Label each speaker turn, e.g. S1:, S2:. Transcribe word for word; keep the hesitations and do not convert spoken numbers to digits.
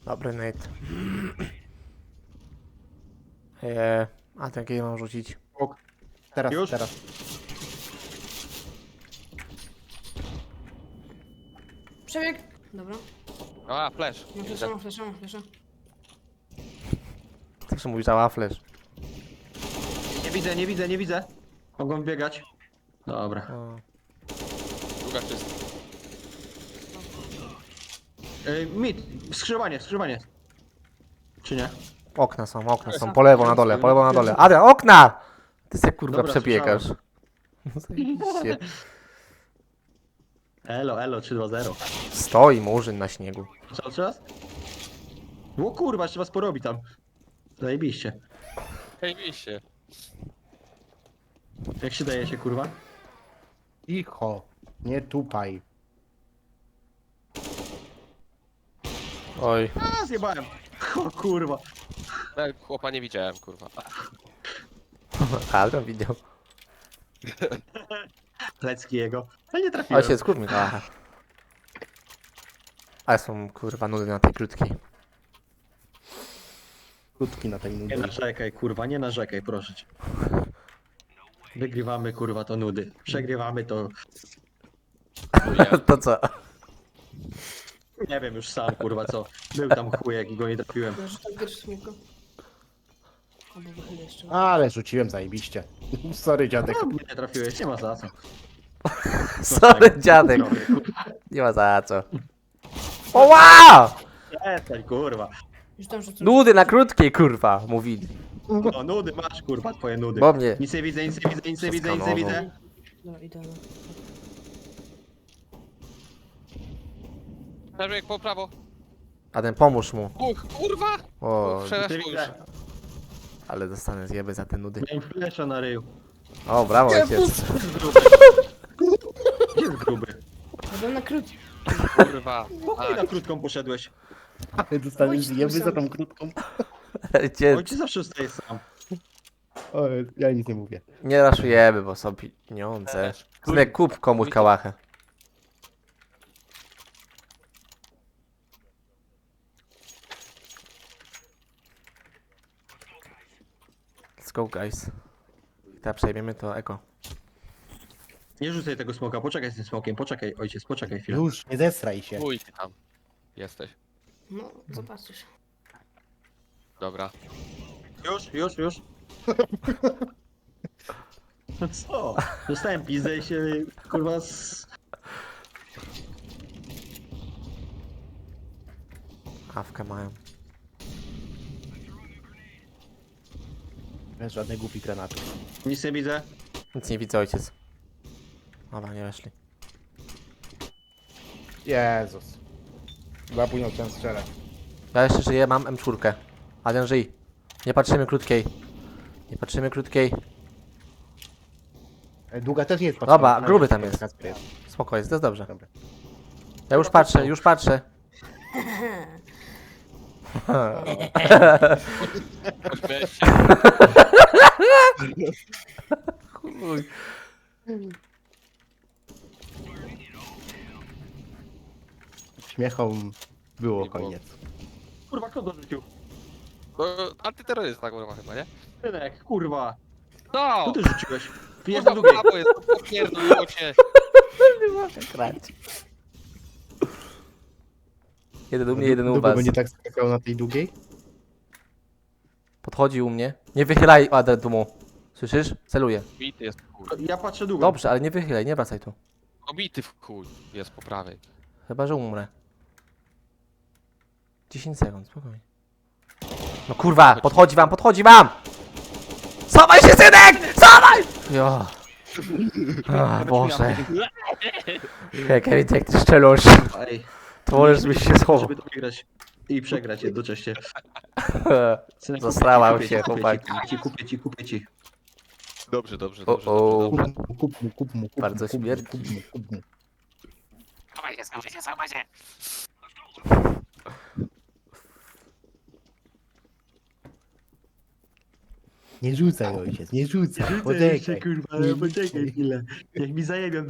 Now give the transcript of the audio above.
S1: Dobry Nate. Eee, a ten kiedy mam rzucić?
S2: Ok. Teraz,
S3: Już?
S2: teraz.
S4: Przebieg. Dobra.
S5: A, flash.
S4: Mam flesza, mam flesza, mam flesza.
S1: Zawsze mówisz, że flash.
S3: Nie widzę, nie widzę, nie widzę. Mogą biegać. Dobra.
S1: O.
S5: Druga czysta.
S3: Ej, mit, skrzyżowanie, skrzyżowanie. Czy nie?
S1: Okna są, okna są, po lewo na dole, po lewo na dole. Adrian, okna! Ty se kurwa
S3: Dobra,
S1: przebiegasz. Zajebiście.
S3: Elo, elo, trzy dwa zero.
S1: Stoi murzyn na śniegu.
S3: Cały czas? O kurwa, jeszcze was porobi tam. Zajebiście.
S5: Zajebiście.
S3: Jak się daje się, kurwa?
S2: Cicho. Nie tupaj.
S1: Oj.
S3: A, zjebałem. O kurwa.
S5: Nawet chłopa nie widziałem, kurwa.
S1: Adrian widział.
S3: Lecki jego. Ale nie trafiłem.
S1: Ojciec, kur mi kałacha. Ale są kurwa nudy na tej krótkiej.
S2: Krótki na tej
S3: Nie
S2: nudy.
S3: narzekaj, kurwa, nie narzekaj, proszę cię. Wygrywamy, kurwa, to nudy. Przegrywamy to...
S1: To co?
S3: Nie wiem już sam, kurwa, co. Był tam chujek i go nie trafiłem.
S4: Ja rzucam pierwszy smoka. Albo wychylę jeszcze.
S2: Ale rzuciłem zajebiście. Sorry dziadek.
S3: No, nie trafiłeś, nie ma za co.
S1: Sorry dziadek. Nie ma za co. O wow!
S3: Przestań, kurwa.
S4: Już tam rzucam.
S1: Nudy na krótkiej kurwa, mówili.
S3: O, nudy masz, kurwa, twoje nudy.
S1: Bo mnie.
S3: Nic nie widzę, nic nie widzę, nic nie widzę, nic nie widzę.
S4: Dobra, idealnie.
S5: Przebieg po prawo.
S1: Adrian, pomóż mu.
S5: Uch, kurwa!
S1: O,
S5: Przeszło
S3: nie
S5: już.
S3: widzę.
S1: ale dostanę zjeby za te nudy.
S3: Miałem flesza na ryju.
S1: O, brawo ojciec.
S3: Gdzie jest gruby?
S4: Ja byłem na krót.
S5: Kurwa.
S3: Po chuj na
S5: A,
S3: krótką poszedłeś.
S2: Ale dostaniesz
S4: Ojciec,
S2: zjeby za
S4: sam.
S2: tą krótką.
S1: Ojciec,
S3: Ojciec zawsze zostaje sam.
S2: O, ja nic nie mówię.
S1: nie raszujemy, bo są pieniądze. Synek, kup komuś kałachę. Let's go guys. I teraz przejmiemy to eko.
S3: Nie rzucaj tego smoka, poczekaj z tym smokiem, poczekaj, ojciec, poczekaj chwilę.
S2: Już, nie zesraj się.
S5: chuj ty tam. Jesteś.
S4: No, zobaczysz.
S5: Dobra.
S3: Już, już, już. No co? Dostałem pizdę i się, kurwa, z...
S1: Awkę mają.
S2: Bez żadnej głupi granaty.
S3: Nic nie widzę.
S1: Nic nie widzę ojciec. Dobra, nie weszli.
S2: Jezus. Zapójną chciałem strzelać.
S1: Ja jeszcze żyję, mam em cztery. Adrian, żyj. Nie patrzymy krótkiej. Nie patrzymy krótkiej.
S2: E, Długa też nie jest
S1: Dobra,
S2: patrzona.
S1: gruby tam jest.
S2: Kacper jest.
S1: Spoko jest, to jest dobrze.
S2: Dobra.
S1: Ja już patrzę, już patrzę.
S5: Pośmiałeś się.
S1: Chuj.
S2: Śmiechom było
S5: Nie było.
S2: koniec.
S3: Kurwa, kto dorzucił?
S5: No, antyterrorysta kurwa chyba, nie?
S3: Synek, kurwa.
S5: No!
S3: Co ty rzuciłeś? Pijesz
S5: Kurwa,
S3: do drugiej.
S5: prawo jest, popierdoliło cię.
S1: Nie mogę grać. Jeden u mnie, jeden u
S2: Długo
S1: was.
S2: będzie tak skakał na tej długiej?
S1: Podchodzi u mnie. Nie wychylaj Adrian tu mu. Słyszysz? Celuję.
S5: Bity jest w chuj.
S3: Ja patrzę długo.
S1: Dobrze, ale nie wychylaj, nie wracaj tu.
S5: Obity w chuj jest po prawej.
S1: Chyba, że umrę. dziesięć sekund, spokojnie. No kurwa, podchodzi wam, podchodzi wam! Schowaj się, synek! Schowaj! Jo. A, Boże. Hej, Kevin, jak ty szczelusz,
S3: Ej,
S1: to możesz byś się schował.
S3: żeby to wygrać i przegrać jednocześnie. Synek,
S1: Zasrałam
S3: kupię ci,
S1: się,
S3: kupię ci,
S1: chłopaki.
S3: Kupię ci, kupię ci, kupię ci.
S5: Dobrze, dobrze,
S1: O,
S5: dobrze,
S1: o.
S5: dobrze, dobrze.
S2: Kup mu, kup mu, kup mu, kup
S1: Bardzo
S2: mu, kup mu,
S1: śmierci.
S2: kup mu, kup mu. Nie rzucaj ojciec, nie rzucaj.
S3: Rzucę
S2: Poczekaj.
S3: jeszcze, kurwa,
S2: Nie
S3: ale poczekaj
S2: rzucaj.
S3: chwilę. Jak mi zajebią